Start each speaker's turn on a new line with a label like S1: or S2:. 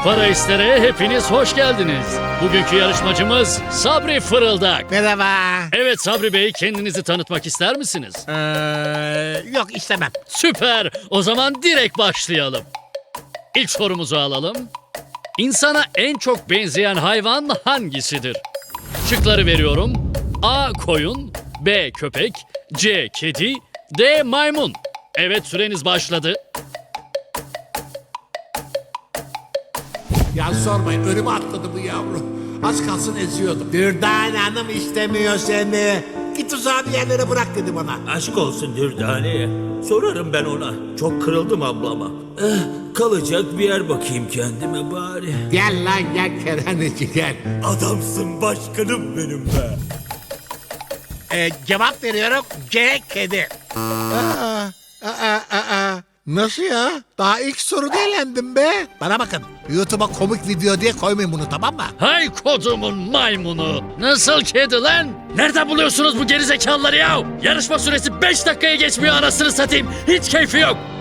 S1: Para İster'e hepiniz hoş geldiniz. Bugünkü yarışmacımız Sabri Fırıldak.
S2: Merhaba.
S1: Evet Sabri Bey, kendinizi tanıtmak ister misiniz?
S2: Yok istemem.
S1: Süper. O zaman direkt başlayalım. İlk sorumuzu alalım. İnsana en çok benzeyen hayvan hangisidir? Şıkları veriyorum. A. Koyun, B. Köpek, C. Kedi, D. Maymun. Evet, süreniz başladı.
S2: Ya sormayın, önüme atladı bu yavru. Az kalsın eziyordum. Dürdane Hanım istemiyor seni. Git uzağa bir yerlere bırak dedi bana.
S3: Aşk olsun Dürdane'ye. Sorarım ben ona. Çok kırıldım ablama. Kalacak bir yer bakayım kendime bari.
S2: Gel lan gel kerhaneci gel.
S3: Adamsın başkanım benim be.
S2: Cevap veriyorum. C. Kedi. Nasıl ya? Daha ilk soruda elendim be. Bana bakın. YouTube'a komik video diye koymayın bunu, tamam mı?
S1: Hay kodumun maymunu. Nasıl kedi lan? Nereden buluyorsunuz bu gerizekalıları ya? Yarışma süresi 5 dakikaya geçmiyor, anasını satayım. Hiç keyfi yok.